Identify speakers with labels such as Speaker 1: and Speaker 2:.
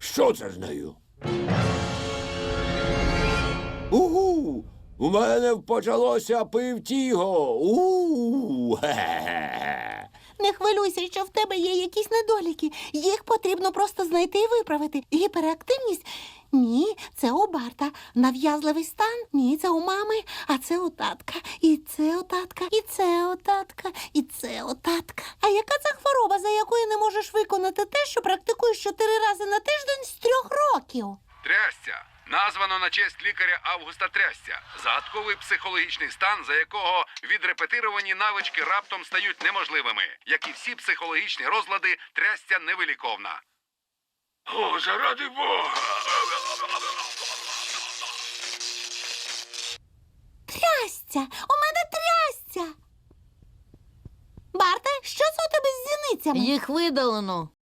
Speaker 1: Що це з нею? Угу! У мене почалося пивтіго. Хе-хе-хе.
Speaker 2: Не хвилюйся, що в тебе є якісь недоліки. Їх потрібно просто знайти і виправити. Гіперактивність? Ні, це у Барта. Нав'язливий стан? Ні, це у мами. А це у татка. І це у татка, і це у татка, і це у татка. А яка це хвороба, за якою не можеш виконати те, що практикуєш 4 рази на тиждень з 3 років?
Speaker 3: Трясця. Названо на честь лікаря Августа Трясця. Загадковий психологічний стан, за якого відрепетировані навички раптом стають неможливими. Як і всі психологічні розлади, трясця невиліковна. О, заради Бога!
Speaker 2: Трясця! У мене трясця! Барте, що це у тебе з зіницями?
Speaker 4: Їх видалено.